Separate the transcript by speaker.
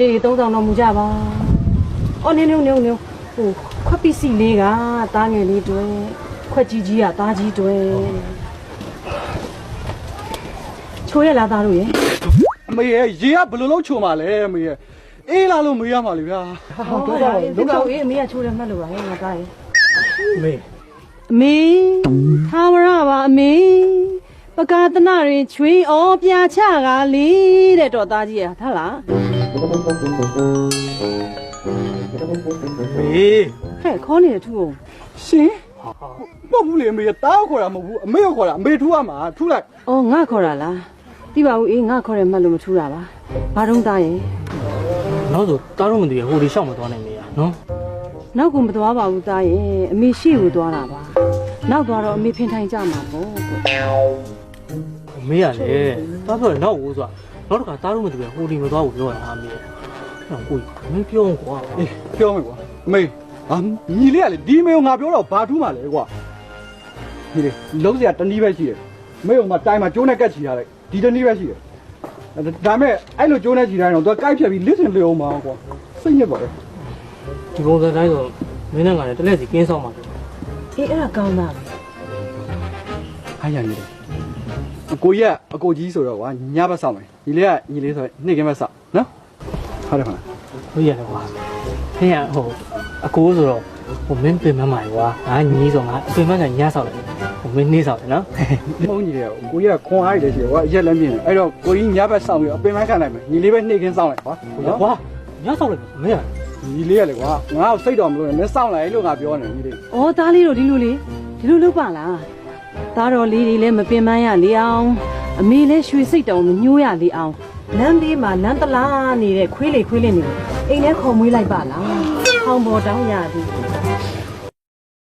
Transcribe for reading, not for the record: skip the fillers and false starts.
Speaker 1: လေ3000တော့မူကြပါအော်နေဟိုခွက်ပစ္စည်းလေးကတားငယ်လေးတွေခွက်ကြီးကတားကြီးတွေချိုးရလားသားတို့ရေ
Speaker 2: အမေရဲ့ရေကဘယ်လိုလုပ်ချုံပါလဲအမေရဲ့အေးလာလို့မေးရမှာလေဗျာ
Speaker 1: ဟုတ်ကဲ့ဒီကောင်အေးအမေကချိုးတယ်မှတ်လို့ပါဟဲ့ငါသားရေ
Speaker 2: အမေ
Speaker 1: အမေသာဝရပါအမေပကာသနာရင်ချွေးဩပြာချကလေးတဲ့တော့သားကြီးရထားလား
Speaker 2: မေ
Speaker 1: ဟဲ့ခေါ်နေတဲ့ထူအောင်
Speaker 2: ရှင်မဟုတ်ဘူးလေအမေတားခေါ်တာမဟုတ်ဘူးအမေကခေါ်တာအမေထူရမှာထူလိုက်
Speaker 1: ဩငါခေါ်တာလားတိပါဦးအေးငါခေါ်တယ်မှတ်လို့မထူတာပါဘာတုံးသားရင်
Speaker 3: နောက်ဆိုတားတော့မသိရဟိုဒီရှောက်မသွားနိုင်မေးရနော်
Speaker 1: နောက်ကမသွားပါဘူးသားရင်အမေရှိကိုသွားတာပါနောက်သွားတော့အမေဖင်ထိုင်ကြမှာပေါ့
Speaker 3: မေးရလေတားပြောနောက်ဦးဆိုတာနောက်တစ်ခါတားတော့မသိရဟိုဒီမသွားဘူးပြောရတာမေးအဲ့ကိုမင်းပြောကွာ
Speaker 2: အေးပြောမယ်ကွာအမေညီလေးကလေဒီမေကိုငါပြောတော့ဘာထူးမှလဲကွာညီလေးလုံးစရာတနည်းပဲရှိတယ်အမေကမှတိုင်မှာကျိုးနဲ့ကတ်ချီထားလိုက်ဒီတနည်းပဲရှိတယ်ဒါမဲ့အဲ့လိုကျိုးနဲ့ချီထားရင်တော့သူကကိုက်ဖြတ်ပြီးလစ်စင်လျောမှာကွာစိတ်ညစ်ပါလေ
Speaker 3: ဒီပုံစံတိုင်းဆိုမင်းနဲ့ငါလည်းတလက်စီကင်းဆောင်ပါတော့
Speaker 1: အေးအဲ့ဒါကောင်းတာပဲ
Speaker 2: အားရနေတယ်အကိုကြီးကအကိုကြီးဆိုတော့ကွာညဘက်ဆောင်မယ်ညီလေးကညီလေးဆိုနေ့ကင်းဘက်ဆောင်နော်ဟုတ်တယ်ခလား
Speaker 3: ဟုတ်ရတယ်ကွာဖေးရဟိုအကိုဆိုတော့ဟိုမင်းပြင်မမှာကွာငါညီးဆိုငါအပြင်မကညဆောက်တယ်ဟိုမင်းနေဆောက်တယ်နော်
Speaker 2: မဟုတ်ညီလေးကကိုကြီးကခွန်အားရတယ်ရှိကွာအရက်လည်းမြင်တယ်အဲ့တော့ကိုကြီးညဘက်ဆောင်ပြီးအပင်မခံနိုင်မယ်ညီလေးပဲနေ့ကင်းဆောင်လိုက်ကွာ
Speaker 3: ကွာညဆောက်လိုက်မင်းရ
Speaker 2: ညီလေးကလေကွာငါ့ကိုစိတ်တော်မလို့နဲ့မင်းဆောင်လိုက်လို့ငါပြောနေညီလေး
Speaker 1: ဩသားလေးတို့ဒီလိုလုပ်ပါလားသားတော်လေးတွေလည်းမပင်ပန်းရလေအောင်အမေလည်းရွှေစိတ်တော်မညှိုးရလေအောင်လမ်းဘေးမှာလမ်းတလားနေတဲ့ခွေးလေးနေအိမ်ထဲခေါ်မွေးလိုက်ပါလားဟောင်းပေါ်တောင်းရသည်